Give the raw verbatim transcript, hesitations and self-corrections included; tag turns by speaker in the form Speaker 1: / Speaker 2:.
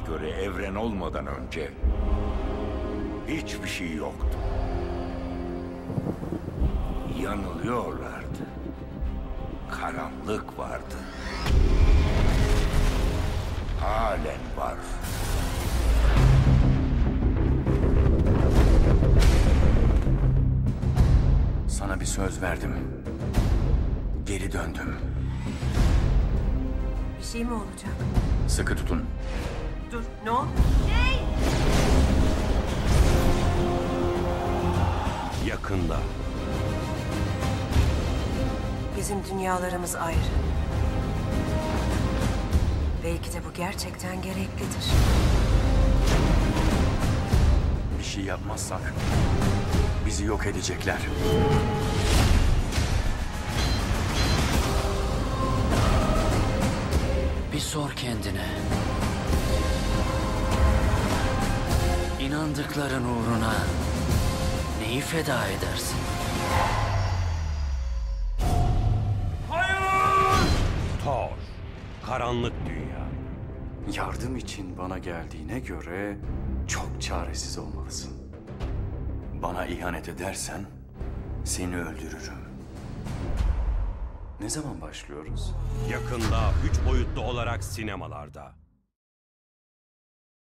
Speaker 1: göre evren olmadan önce hiçbir şey yoktu. Yanılıyorlardı. Karanlık vardı. Halen var.
Speaker 2: Sana bir söz verdim. Geri döndüm.
Speaker 3: Bir şey mi olacak?
Speaker 2: Sıkı tutun.
Speaker 3: Dur, ne oldu?
Speaker 4: Yakında.
Speaker 3: Bizim dünyalarımız ayrı. Belki de bu gerçekten gereklidir.
Speaker 2: Bir şey yapmazsak bizi yok edecekler.
Speaker 5: Bir sor kendine. İnandıkların uğruna neyi feda edersin?
Speaker 4: Thor. Karanlık Dünya.
Speaker 2: Yardım için bana geldiğine göre çok çaresiz olmalısın. Bana ihanet edersen seni öldürürüm. Ne zaman başlıyoruz?
Speaker 4: Yakında üç boyutlu olarak sinemalarda.